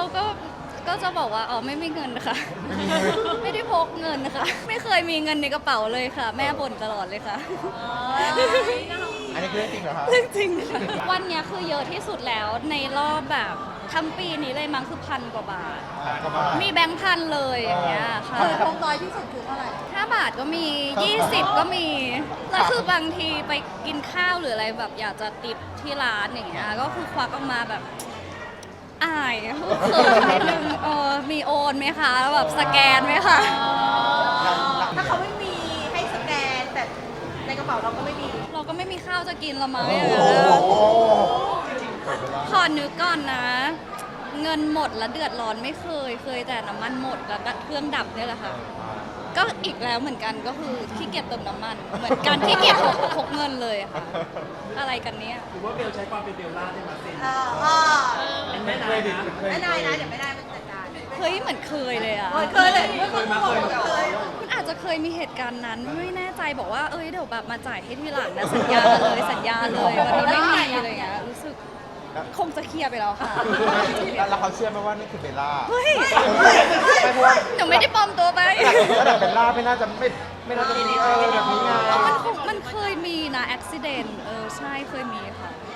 ก็จะบอกว่าอ๋อไม่มีเงินค่ะ ไม่ได้พกเงินนะคะไม่เคยมีเงินในกระเป๋าเลยค่ะ แม่บ่นตลอดเลยค่ะอันนี้คือเรื่องจริงเหรอคะเรื่องจริงค่ะวันเนี้ยคือเยอะที่สุดแล้วในรอบแบบทั้งปีนี้เลยมั้งคือ1,000 กว่าบาทก็มามีแบงค์พันเลยอย่างเงี้ยค่ะเคยพกน้อยที่สุดคือเท่าไหร่ 5 บาทก็มี 20 ก็มี แล้วคือบางทีไปกินข้าวหรืออะไรแบบอยากจะติปที่ร้านอย่างเงี้ย ก็คือควักออกมาแบบอายเขินนิดนึงมีโอนไหมคะแล้วแบบสแกนไหมคะถ้าเขาไม่มีให้สแกนแต่ในกระเป๋าเราก็ไม่มีเราก็ไม่มีข้าวจะกินละมั้งโอ้โหขอนึกก่อนนะ เงินหมดแล้วเดือดร้อนไม่เคยแต่น้ำมันหมดแล้วก็เครื่องดับเนี่ยแหละค่ะ ก็อีกแล้วเหมือนกันก็คือขี้เกียจเติมน้ำมัน เหมือนกันขี้เกียจพกเงินเลยอะค่ะ อะไรกันเนี้ยหรือว่าเบลใช้ความเป็นเบลล่าได้มาเซ็นไม่เคยดิไม่ได้นะเดี๋ยวไม่ได้มันจัดการเฮ้ยเหมือนเคยเลยอะเคยเลยไม่เคยมาเคยมันอาจจะเคยมีเหตุการณ์นั้นไม่แน่ใจบอกว่าเอ้ยเดี๋ยวแบบมาจ่ายให้ทีหลังนะสัญญาเลยวันนี้ไม่มีอะไรอย่างเงี้ยรู้สึกคงจะเคลียร์ไปแล้วค่ะแล้วเขาเชื่อไหมว่านี่คือเบลล่าเฮ้ยไม่เพราะว่าหนูไม่ได้ปลอมตัวไประดับเบลล่าไม่น่าจะมีแบบนี้ไงมันเคยมีนะอุบิเหตุใช่เคยมีค่ะ